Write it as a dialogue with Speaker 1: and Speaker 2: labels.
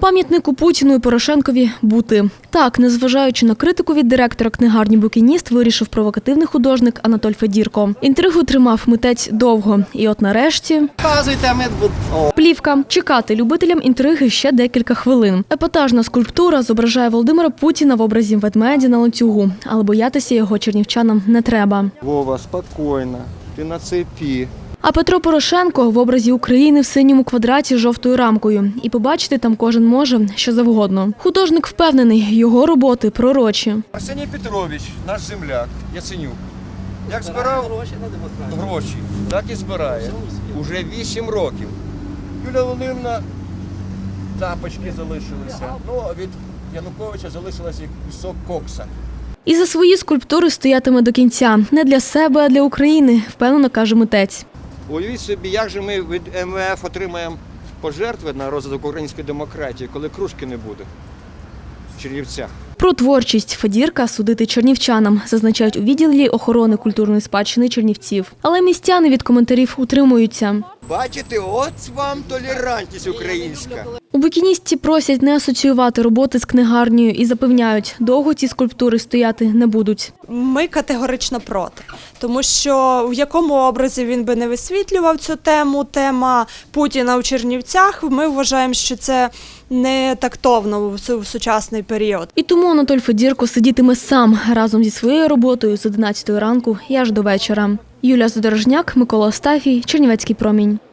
Speaker 1: Пам'ятнику Путіну і Порошенкові бути. Так, незважаючи на критику від директора книгарні «Букініст», вирішив провокативний художник Анатоль Федірко. Інтригу тримав митець довго. І от нарешті… Плівка. Чекати любителям інтриги ще декілька хвилин. Епатажна скульптура зображає Володимира Путіна в образі ведмедя на ланцюгу. Але боятися його чернівчанам не треба.
Speaker 2: Вова, спокійно, ти на цепі.
Speaker 1: А Петро Порошенко в образі України в синьому квадраті з жовтою рамкою. І побачити там кожен може що завгодно. Художник впевнений, його роботи пророчі.
Speaker 2: Арсеній Петрович, наш земляк, Яценюк, як збирав гроші, так і збирає. Уже 8 років. Юлія Володимирівна, тапочки залишилися. Ну, а від Януковича залишилася кусок кокса.
Speaker 1: І за свої скульптури стоятиме до кінця. Не для себе, а для України, впевнено каже митець.
Speaker 2: Уявіть собі, як же ми від МВФ отримаємо пожертви на розвиток української демократії, коли кружки не буде в Чернівцях.
Speaker 1: Про творчість Федірка судити чернівчанам, зазначають у відділі охорони культурної спадщини Чернівців. Але містяни від коментарів утримуються.
Speaker 2: Бачите, от вам толерантність українська.
Speaker 1: У «Букіністі» просять не асоціювати роботи з книгарнею і запевняють, довго ці скульптури стояти не будуть.
Speaker 3: Ми категорично проти, тому що в якому образі він би не висвітлював цю тему, тема Путіна у Чернівцях, ми вважаємо, що це не тактовно в сучасний період.
Speaker 1: І тому Анатоль Федірко сидітиме сам разом зі своєю роботою з 11 ранку і аж до вечора. Юлія Задорожняк, Микола Остафій, Чернівецький промінь.